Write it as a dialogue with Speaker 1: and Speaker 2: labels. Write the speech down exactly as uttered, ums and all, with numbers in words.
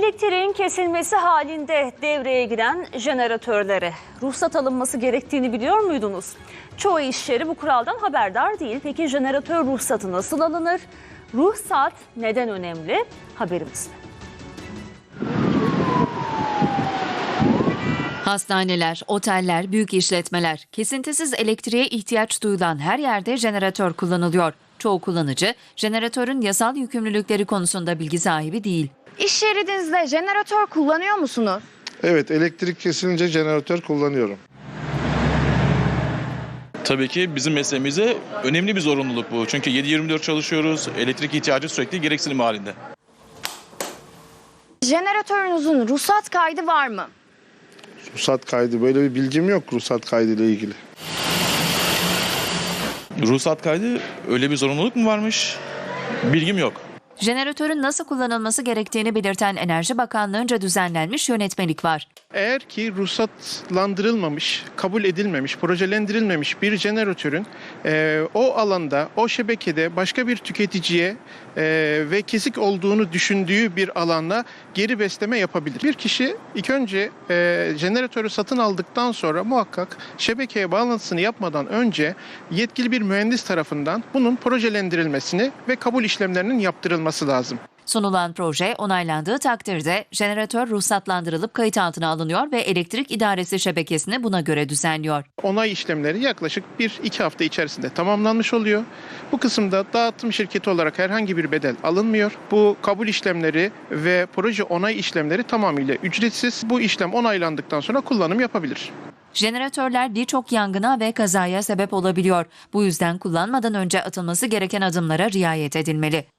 Speaker 1: Elektriğin kesilmesi halinde devreye giren jeneratörlere ruhsat alınması gerektiğini biliyor muydunuz? Çoğu iş yeri bu kuraldan haberdar değil. Peki jeneratör ruhsatı nasıl alınır? Ruhsat neden önemli? Haberimizde.
Speaker 2: Hastaneler, oteller, büyük işletmeler, kesintisiz elektriğe ihtiyaç duyulan her yerde jeneratör kullanılıyor. Çoğu kullanıcı jeneratörün yasal yükümlülükleri konusunda bilgi sahibi değil.
Speaker 3: İş yerinizde jeneratör kullanıyor musunuz?
Speaker 4: Evet, elektrik kesilince jeneratör kullanıyorum.
Speaker 5: Tabii ki bizim mesleğimize önemli bir zorunluluk bu. Çünkü yedi yirmi dört çalışıyoruz. Elektrik ihtiyacı sürekli gereksinim halinde.
Speaker 3: Jeneratörünüzün ruhsat kaydı var mı?
Speaker 4: Ruhsat kaydı, böyle bir bilgim yok ruhsat kaydı ile ilgili.
Speaker 5: Ruhsat kaydı öyle bir zorunluluk mu varmış? Bilgim yok.
Speaker 2: Jeneratörün nasıl kullanılması gerektiğini belirten Enerji Bakanlığı'nca düzenlenmiş yönetmelik var.
Speaker 6: Eğer ki ruhsatlandırılmamış, kabul edilmemiş, projelendirilmemiş bir jeneratörün e, o alanda, o şebekede başka bir tüketiciye e, ve kesik olduğunu düşündüğü bir alana geri besleme yapabilir. Bir kişi ilk önce e, jeneratörü satın aldıktan sonra muhakkak şebekeye bağlantısını yapmadan önce yetkili bir mühendis tarafından bunun projelendirilmesini ve kabul işlemlerinin yaptırılması lazım.
Speaker 2: Sunulan proje onaylandığı takdirde jeneratör ruhsatlandırılıp kayıt altına alınıyor ve elektrik idaresi şebekesini buna göre düzenliyor.
Speaker 6: Onay işlemleri yaklaşık bir iki hafta içerisinde tamamlanmış oluyor. Bu kısımda dağıtım şirketi olarak herhangi bir bedel alınmıyor. Bu kabul işlemleri ve proje onay işlemleri tamamıyla ücretsiz. Bu işlem onaylandıktan sonra kullanım yapabilir.
Speaker 2: Jeneratörler birçok yangına ve kazaya sebep olabiliyor. Bu yüzden kullanmadan önce atılması gereken adımlara riayet edilmeli.